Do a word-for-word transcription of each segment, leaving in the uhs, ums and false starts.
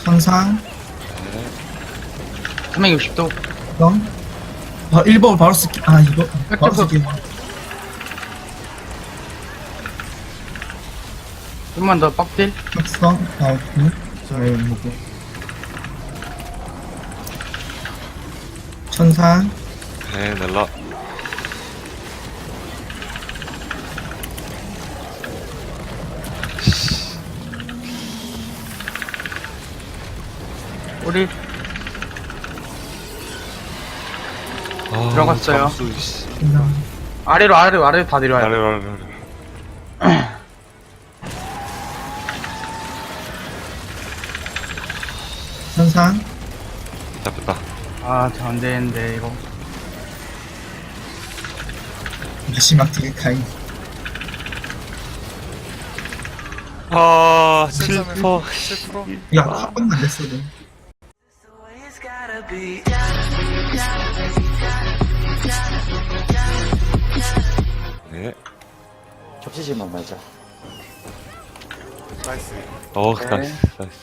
천상, 삼백육십 도. 영. 아, 일 번 바로 쓸게. 아, 이거. 바로 백점프. 쓸게. 좀만 더 빡딜. 각성, 아, 오케이. 네, 뭐고. 천상, 네, 넬라. 우리 아, 들어갔어요. 잠수, 씨. 그냥. 아래로 아래로 아래로 다 내려와요. 아래로, 아래로, 아래로. 천상, 잡혔다. 아, 저 안 되는데 이거. 마지막 되게 가인. 아, 칠 퍼. 칠 퍼센트. 야, 한 번도 안 됐어도. It's gotta be. 네. 겹치지만 말자. 나이스. 어, 네. 나이스, 나이스.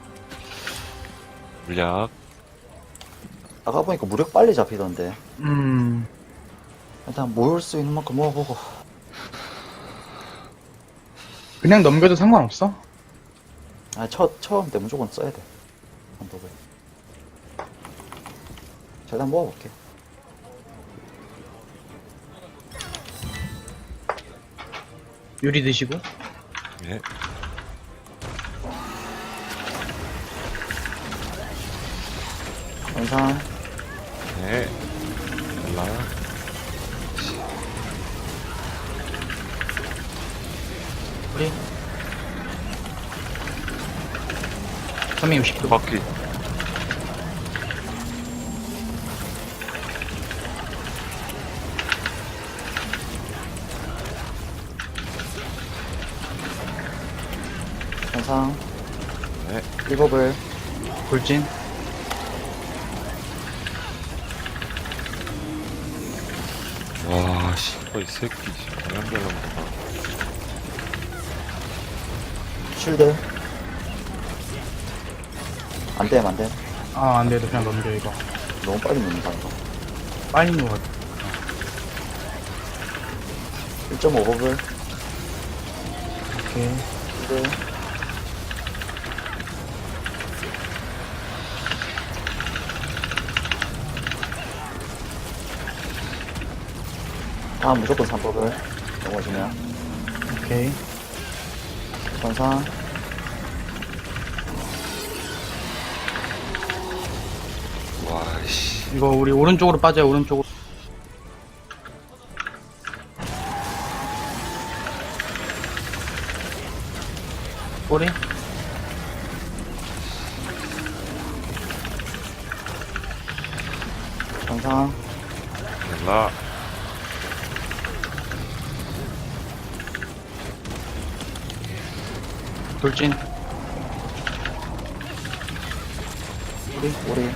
물약. 아까 보니까 무력 빨리 잡히던데. 음. 일단 모을 수 있는 만큼 모아보고. 그냥 넘겨도 상관없어. 아, 첫, 처음 때 무조건 써야 돼. 한복을. 자, 일단 모아볼게. 유리 드시고. 네. 영상, 네. 넬라. 우리 삼백육십 도. 바퀴. 영상, 네. 일곱을, 돌진. 와, 씨. 이 새끼, 씨. 방향 별로구나. 쉴드. 안 돼, 안 돼. 아, 안 돼도 그냥 넘겨 이거. 너무 빨리 넣는다, 이거. 빨리 누워. 일 점 오 법을, 오케이. 쉴드. 아, 무조건 삼 법을 넘어지면. 오케이. 전상, 와, 씨. 이거 우리 오른쪽으로 빠져요. 오른쪽으로. 꼬리. 전상, 넬라. 돌진. 우리, 우리.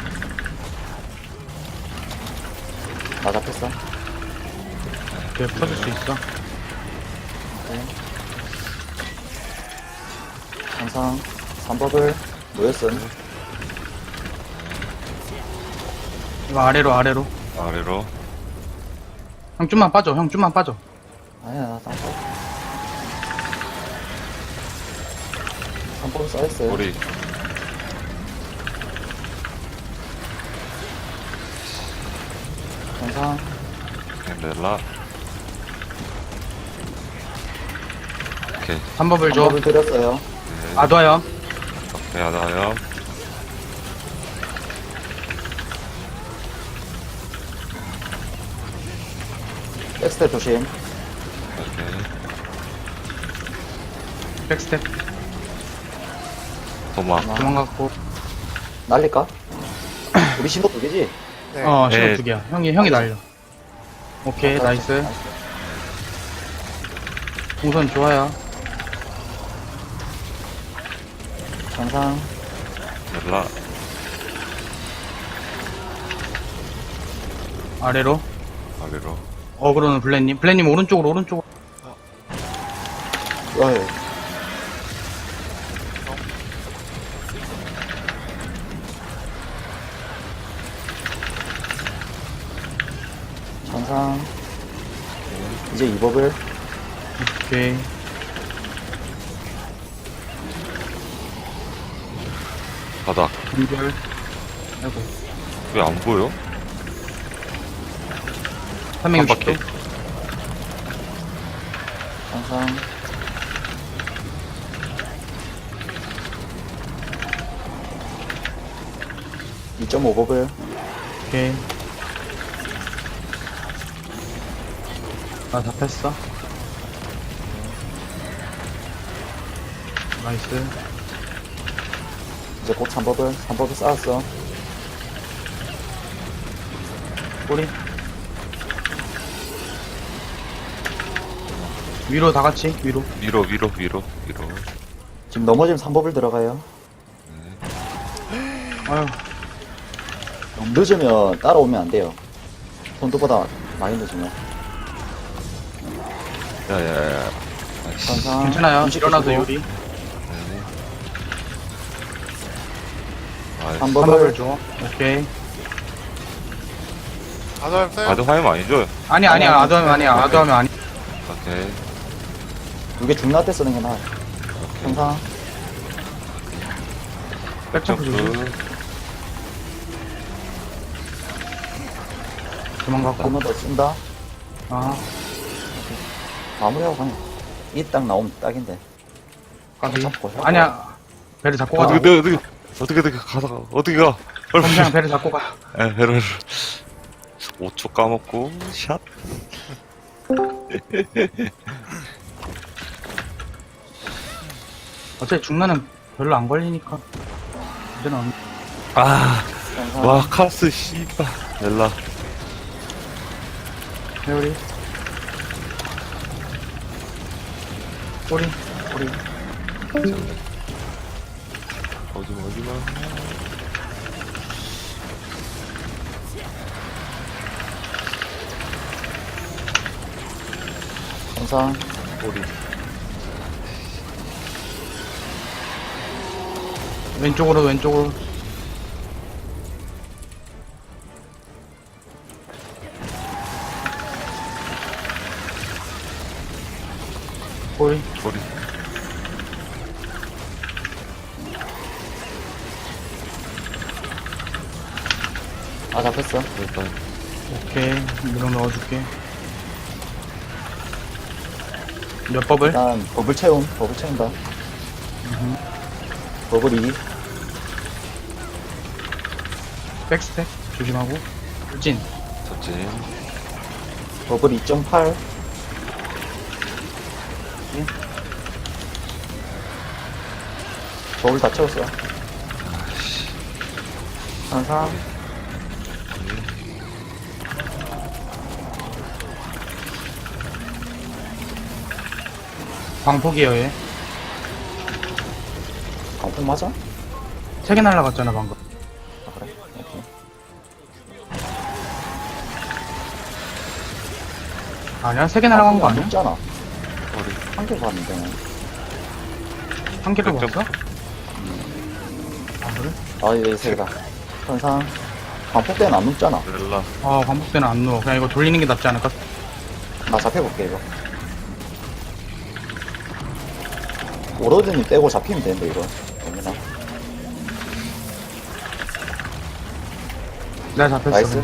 나 잡혔어. 그래, 풀어줄 수 있어. 네. 항상 삼 법을 모였음. 이거 아래로 아래로. 아래로. 형 좀만 빠져. 형 좀만 빠져. 아니야, 나 삼 법. 삼 법 써있어요. 우리. 항상 네, 넬라. 오케이. 삼법을 삼 줘. 법을 드렸어요. 네. 아둬요. 오케이, 하나요. 백스텝 조심. 오케이. 백스텝. 도마. 도망갔고. 날릴까? 우리 신호 두 개지? 네. 어, 네. 신호 두 개야. 형이 형이 날려. 오케이, 아, 나이스. 동선 좋아요. 항상 넬라. 아래로. 아래로. 어그로는 블랙님. 블랙님 오른쪽으로 오른쪽으로. 와요. 항상. 이제 이 법을. 오케이. 바닥. 분별. 아이고. 왜 안 보여? 삼백육십 도. 바퀴. 항상. 이 점 오 법을. 오케이. 나 잡혔어. 나이스. 이제 곧 삼 법을. 삼 법을 쌓았어. 꼬리. 위로 다 같이, 위로. 위로, 위로, 위로, 위로. 지금 넘어지면 삼 법을 들어가요. 아유, 너무 늦으면 따라오면 안 돼요. 손도보다 많이 늦으면. 야, 야, 야. 아이씨. 항상. 괜찮아요. 음식 일어나도 드시고. 요리. 네. 아이씨. 삼 한 법을 법을. 줘. 오케이. 아점 써요? 바드 화면 아니죠? 아니, 아니야. 아니, 아도하면 아니야. 아도하면 아니. 오케이. 두개 중나 때 쓰는 게 나아요. 항상. 백점프 조심. 점프. 도망갔고. 한번 더 쓴다. 아, 마무리하고 가네. 이 딱 나오면 딱인데. 까비. 잡고 해. 아니야. 배를 잡고 가자. 어떻게, 어떻게, 어떻게, 어떻게, 가다가, 어떻게 가? 얼른. 그냥 배를 잡고 가. 에, 배를. 오 초 까먹고, 샷. 어차피 중간은 별로 안 걸리니까. 이제는 안- 아, 항상. 와, 카스, 씨발. 넬라. 회오리. 꼬리. 꼬리. 오지마, 오지마. 항상. 꼬리. 왼쪽으로, 왼쪽으로. 꼬리. 꼬리. 아, 잡혔어. 일단, 오케이. 물어 넣어줄게. 몇 법을? 일단, 버블 채움. 버블 채운다. 버블 이. 백스텝. 조심하고. 돌진. 접진. 버블 이 점 팔. 버블 다 채웠어. 항상. 광폭이에요, 얘. 강풍 맞아? 세 개 날라갔잖아, 방금. 아, 그래? 오케이. 아니야? 세 개 날아간 거 안 아니야? 높잖아. 꼬리. 한 개 봤는데. 한 개도 백 점. 봤어? 아, 그래? 아, 이제 세 개다. 항상. 강폭 때는 안 높잖아. 넬라. 아, 광폭 때는 안 누워. 그냥 이거 돌리는 게 낫지 않을까? 나 잡혀볼게, 이거. 오로드님 떼고 잡히면 되는데, 이거. 됩니다. 내가 잡혔어. 나이스.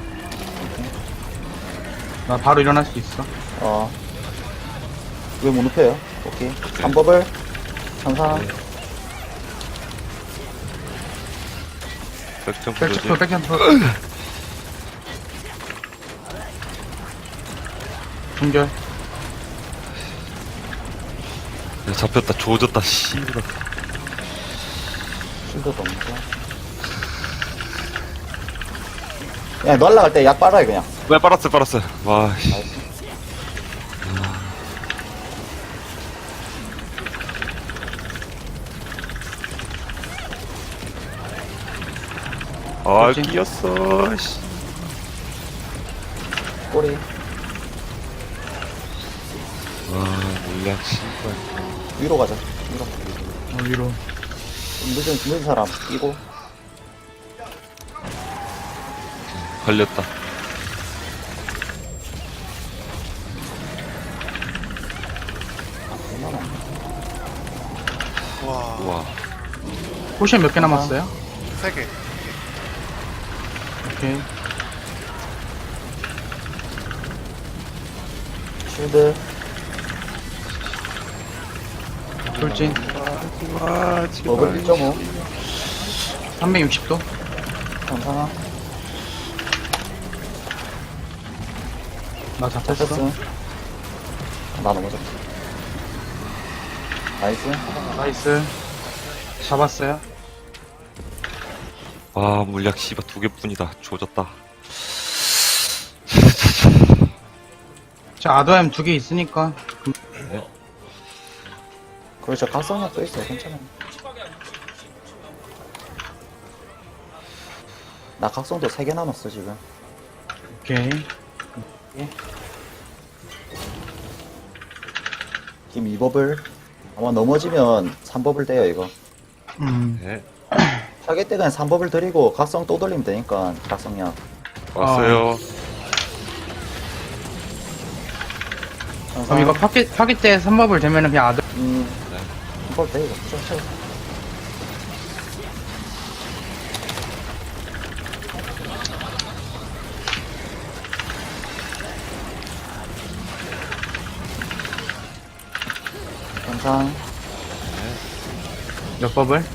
나 바로 일어날 수 있어. 어. 왜 못 눕혀요? 오케이. 삼 법을. 항상. 백점프 백점프, 조심. 백점프. 중결. 야, 잡혔다, 조졌다, 씨발. 실드도 없고. 야, 날라갈 때 약 빨아요, 그냥. 왜 빨았어, 빨았어. 와, 씨. 나이스. 아, 그렇지. 끼었어, 씨. 꼬리. 와, 물량, 씨발. 위로 가자. 위로. 어, 위로. 좀 늦은, 늦은 사람 끼고. 걸렸다. 우와, 우와. 포션 몇 개 남았어요? 세 개. 오케이. 쉴드. 돌진. 와, 버블 일 점 오. 삼백육십 도. 괜찮아. 나 패스. 잡혔어. 나 넘어졌다. 나이스. 나이스. 잡았어요. 와, 물약 씨발 두 개뿐이다. 조졌다. 자, 아드엠 두 개 있으니까. 그렇죠. 각성약 또 있어요. 괜찮아. 나 각성도 세 개 남았어, 지금. 오케이. 지금 이 버블. 아마 넘어지면 삼 버블 돼요, 이거. 음. 네. 타겟 때 그냥 삼 버블 드리고 각성 또 돌리면 되니까, 각성약. 왔어요. 그럼 이거 파기, 파기 때 삼 법을 되면은 그냥 아드, 음. 네. 삼 버블 돼, 이거. 쳐, 쳐. 항상 몇 법을?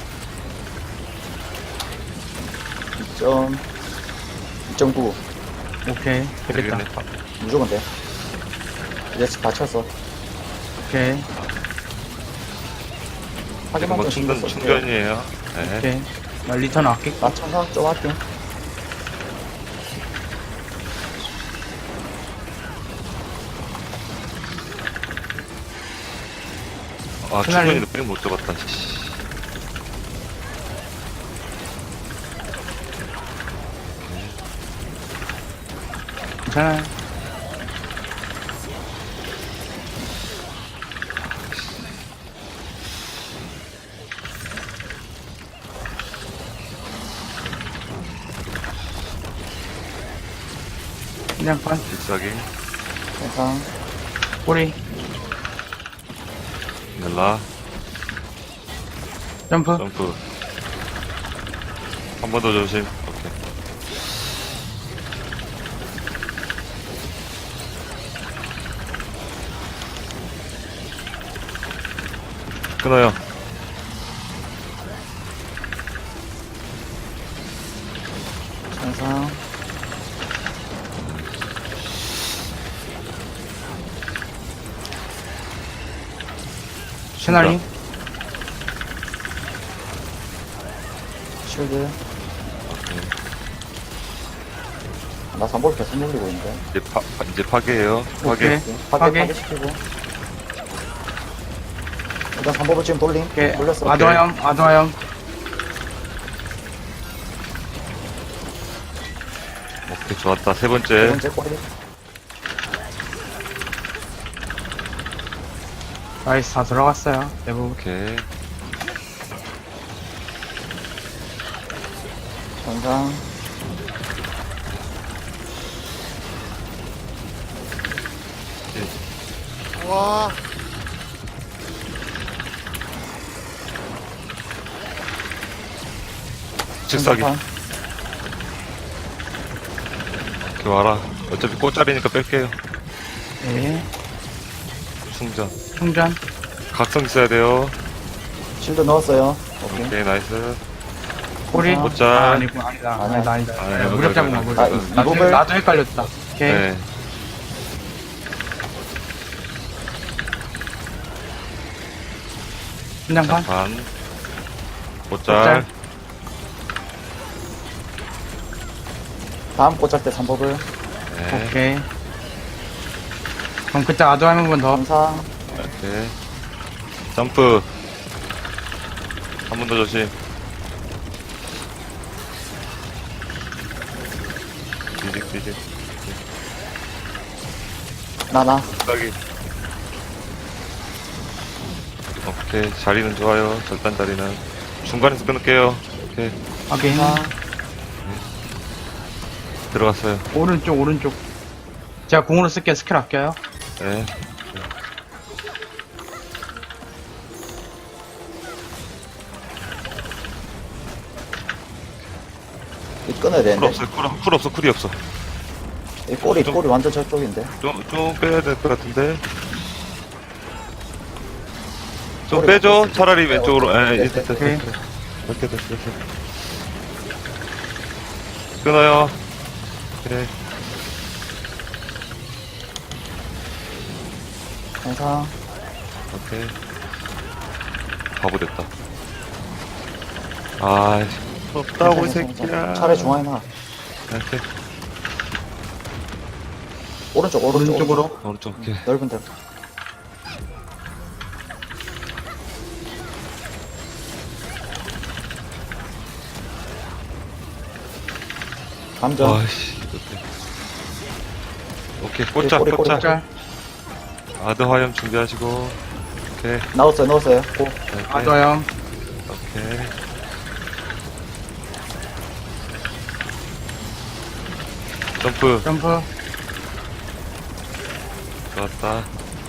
이 점 이 점 구 오케이. 되겠다. 되겠네. 무조건 돼. 이제 다 쳤어. 오케이. 지금 하기만 뭐 좀 신경 충전, 써주세요. 충전이에요. 네. 오케이. 나 리턴 아낄게. 나 청강 좀 할게. 아, 그날- 충전이도 뺑 못 잡았다. 씨. 괜찮아요. 그냥 반. 비싸게. 항상 꼬리. 넬라. 점프. 점프. 한 번 더 조심. 오케이. 끊어요. 항상 시나리. 쉴드. 나 삼 버블 계속 놀리고 있는데. 이제 파, 파- 이제 파괴예요. 파괴. 오케이. 파괴, 파괴. 파괴 시키고. 일단 삼 버블 지금 돌림. 오케이. 돌렸어. 아드와염, 아드와염. 오케이, 좋았다. 세 세 번째. 번째 꼬리. 나이스, 다 들어갔어요. 대부분. 오케이. 항상 우와, 즉사기. 항상 이렇게 와라. 어차피 꽃자리니까 뺄게요. 네. 충전. 충전. 각성 있어야 돼요. 쉴드 넣었어요. 오케이. 오케이, 나이스. 꼬리. 아, 꽃잘. 아, 아니고, 아니다. 아니야. 아니다, 아니다. 아, 네, 여기, 무력 여기, 잡은 거, 여기. 무력. 아, 이- 나도, 이거를- 나도 헷갈렸다. 오케이. 네. 신장판. 장판. 꽃잘. 꽃잘. 다음 꽂을 때 삼 버블. 네. 오케이. 그럼 그때 아드와임 한 번 더. 항상 오케이. 점프. 한 번 더 조심. 뒤직, 뒤직. 나나. 딱이. 오케이. 자리는 좋아요. 절단 자리는. 중간에서 끊을게요. 오케이. 확인. 항상 들어갔어요. 오른쪽, 오른쪽. 제가 공으로 쓸게요. 스킬 아껴요. 네. 이 끊어야 쿨 되는데. 없어, 쿨, 쿨 없어, 쿨이 없어. 이 꼬리, 좀- 꼬리 완전 저쪽인데. 좀, 좀 빼야 될 것 같은데. 좀 꼬리 빼죠. 없어. 차라리 왼쪽으로. 에, 네, 됐어, 됐어, 오케이. 됐어. 이렇게 됐어, 됐어. 끊어요. 그래. 항상. 오케이. 바보 됐다. 아, 없다고, 이 새끼야. 차례 중앙에 놔. 오케이. 오른쪽, 오른쪽. 오른쪽으로. 오른쪽, 오케이. 넓은 데로. 감정. 아씨, 오케이. 오케이, 꽂자, 꼬리, 꼬리, 꽂자. 짤. 아드 화염 준비하시고. 오케이. 넣었어요, 넣었어요. 고. 오케이. 아더요. 오케이. 점프. 점프. 좋았다.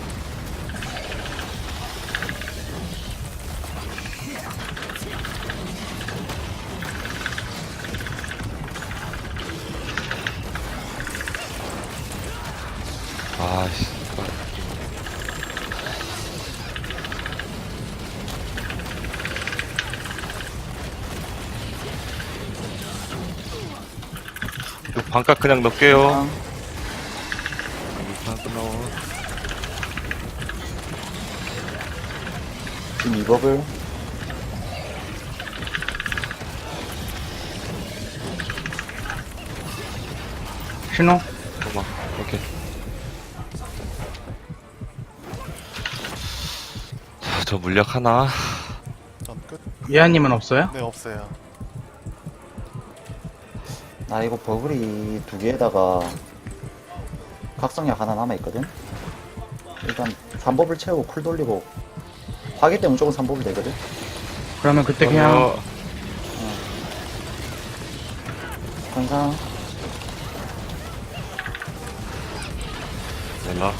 아씨. 이거 반값 그냥 넣을게요. 항상. 반 끝나고. 지금 이 법을. 신호. 잠깐만. 오케이. 자, 저 물약 하나. 전 끝. 예아님은 없어요? 네, 없어요. 나 이거 버블이 두 개에다가 각성약 하나 남아있거든? 일단 삼 법을 채우고 쿨 돌리고 화기 때 무조건 삼 법이 되거든? 그러면 그때 그냥 어, 항상 연락.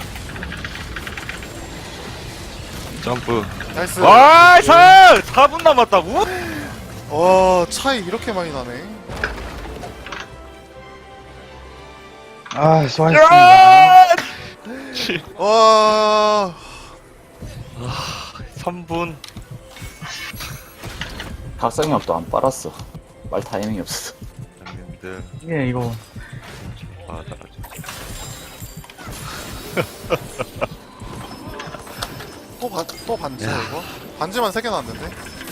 점프. 나이스. 와, 사 분 남았다고? 와, 차이 이렇게 많이 나네. 아 수고하셨습니다. 와, 삼 분. 각성약도 안 빨았어. 말 타이밍이 없었어. 형님들. 예 이거 받아가지고. 또 반, 또 반지야, 이거? 반지만 세 개 나왔는데?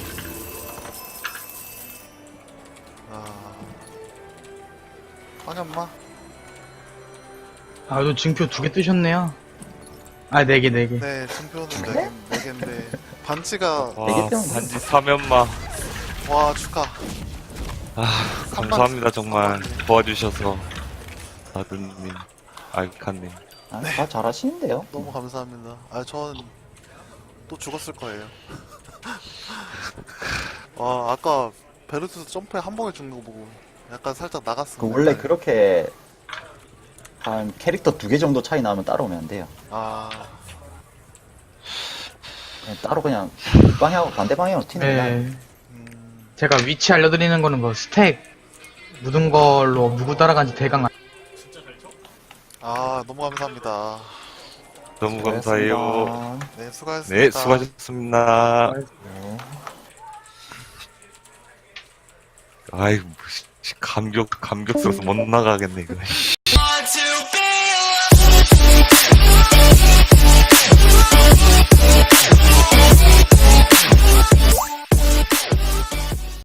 아. 황현마? 아또 징표 두 개 뜨셨네요. 아 네 개 네 개. 네, 증표는 네 개, 네 개인데. 반지가, 와, 되게 때문에. 반지 사면마. 와, 축하. 아, 삼 감사합니다, 반- 정말. 삼 반지. 도와주셔서. 아드님, 알카님. 아, 다 잘하시는데요? 너무 감사합니다. 아, 전 또 죽었을 거예요. 와, 아까 베르투스 점프에 한 번에 죽는 거 보고 약간 살짝 나갔습니다. 그 원래 그렇게 한 캐릭터 두 개 정도 차이 나면 따라오면 안 돼요. 아, 그냥 따로 그냥 방향 반대 방향으로 튀는 거야. 네. 음, 제가 위치 알려드리는 거는 그 스택 묻은 걸로 누구 따라간지 대강 알- 아, 너무 감사합니다. 너무 감사해요. 네, 수고하셨습니다. 네, 수고하셨습니다. 네. 아이고, 씨, 감격, 감격스러워서 못 나가겠네, 이거.